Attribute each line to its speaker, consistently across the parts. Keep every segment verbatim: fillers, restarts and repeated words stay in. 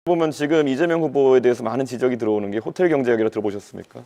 Speaker 1: 보면 지금 이재명 후보에 대해서 많은 지적이 들어오는 게 호텔 경제 이야기를 들어보셨습니까?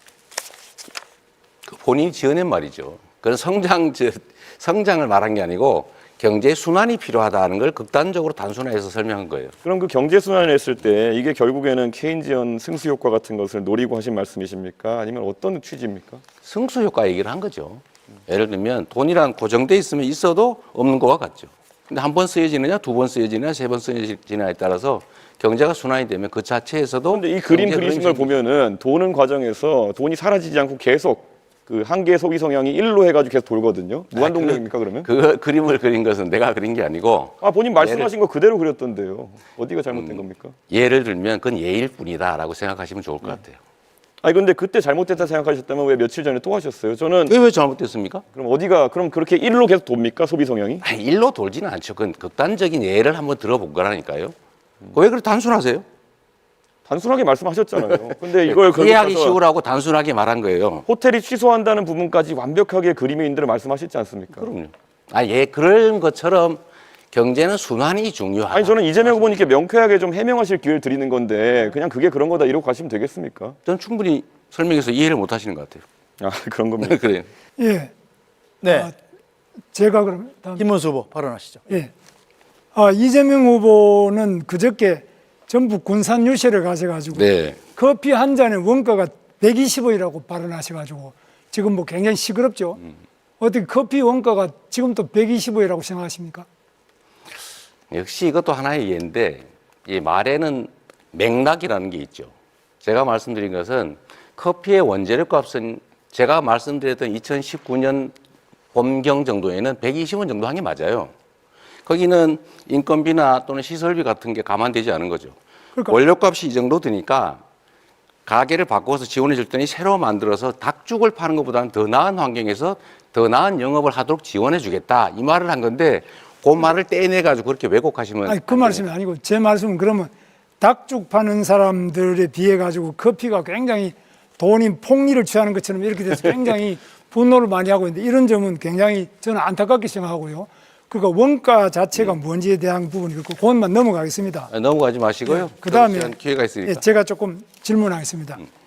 Speaker 2: 본인이 지어낸 말이죠. 그건 성장, 저, 성장을 말한 게 아니고 경제 순환이 필요하다는 걸 극단적으로 단순화해서 설명한 거예요.
Speaker 1: 그럼 그 경제 순환을 했을 때 이게 결국에는 케인지언 승수 효과 같은 것을 노리고 하신 말씀이십니까? 아니면 어떤 취지입니까?
Speaker 2: 승수 효과 얘기를 한 거죠. 예를 들면 돈이란 고정돼 있으면 있어도 없는 거와 같죠. 근데 한 번 쓰여지느냐, 두 번 쓰여지느냐, 세 번 쓰여지느냐에 따라서 경제가 순환이 되면 그 자체에서도.
Speaker 1: 그런데 이 그림 그리신 걸 보면은 도는 과정에서 돈이 사라지지 않고 계속 그 한계 소비 성향이 일로 해가지고 계속 돌거든요. 무한 동력입니까 그러면?
Speaker 2: 그 그림을 그린 것은 내가 그린 게 아니고.
Speaker 1: 아 본인 말씀하신 거 그대로 그렸던데요. 어디가 잘못된
Speaker 2: 음,
Speaker 1: 겁니까?
Speaker 2: 예를 들면 그건 예일 뿐이다라고 생각하시면 좋을 것 같아요.
Speaker 1: 아니 근데 그때 잘못됐다 생각하셨다면 왜 며칠 전에 또 하셨어요? 저는
Speaker 2: 왜, 왜 잘못됐습니까?
Speaker 1: 그럼 어디가 그럼 그렇게 일로 계속 돕니까 소비 성향이?
Speaker 2: 아니, 일로 돌지는 않죠. 그건 극단적인 예를 한번 들어본 거라니까요. 왜 그렇게 단순하세요?
Speaker 1: 단순하게 말씀하셨잖아요. 근데 이걸
Speaker 2: 이해하기
Speaker 1: 가서
Speaker 2: 쉬우라고 단순하게 말한 거예요.
Speaker 1: 호텔이 취소한다는 부분까지 완벽하게 그림에 있는 대로 말씀하셨지 않습니까?
Speaker 2: 그럼요. 아, 예, 그런 것처럼 경제는 순환이 중요하다.
Speaker 1: 아니 저는 이재명 후보님께 명쾌하게 좀 해명하실 기회를 드리는 건데 그냥 그게 그런 거다 이러고 가시면 되겠습니까?
Speaker 2: 저는 충분히 설명해서 이해를 못 하시는 것 같아요.
Speaker 1: 아 그런 겁니까?
Speaker 2: 그래요.
Speaker 3: 예,
Speaker 4: 네,
Speaker 3: 아, 제가 그럼 다음,
Speaker 4: 김문수 후보 발언하시죠.
Speaker 3: 예, 아, 이재명 후보는 그저께 전북 군산 유세를 가셔가지고
Speaker 2: 네.
Speaker 3: 커피 한 잔의 원가가 백이십 원이라고 발언하셔가지고 지금 뭐 굉장히 시끄럽죠.
Speaker 2: 음.
Speaker 3: 어떻게 커피 원가가 지금 또 백이십 원이라고 생각하십니까?
Speaker 2: 역시 이것도 하나의 예인데 이 말에는 맥락이라는 게 있죠. 제가 말씀드린 것은 커피의 원재료 값은 제가 말씀드렸던 이천십구 년 봄경 정도에는 백이십 원 정도 한 게 맞아요. 거기는 인건비나 또는 시설비 같은 게 감안되지 않은 거죠.
Speaker 3: 그러니까.
Speaker 2: 원료값이 이 정도 드니까 가게를 바꿔서 지원해 줄 때니 새로 만들어서 닭죽을 파는 것보다는 더 나은 환경에서 더 나은 영업을 하도록 지원해 주겠다. 이 말을 한 건데 그 말을 떼내가지고 그렇게 왜곡하시면.
Speaker 3: 아니 그 말씀이 아니고 제 말씀은 그러면 닭죽 파는 사람들에 비해 가지고 커피가 굉장히 돈이 폭리를 취하는 것처럼 이렇게 돼서 굉장히 분노를 많이 하고 있는데 이런 점은 굉장히 저는 안타깝게 생각하고요. 그러니까 원가 자체가
Speaker 2: 음.
Speaker 3: 뭔지에 대한 부분이 그렇고 그것만 넘어가겠습니다.
Speaker 2: 넘어가지 마시고요.
Speaker 3: 그 다음에
Speaker 2: 기회가 있으니까.
Speaker 3: 제가 조금 질문하겠습니다.
Speaker 2: 음.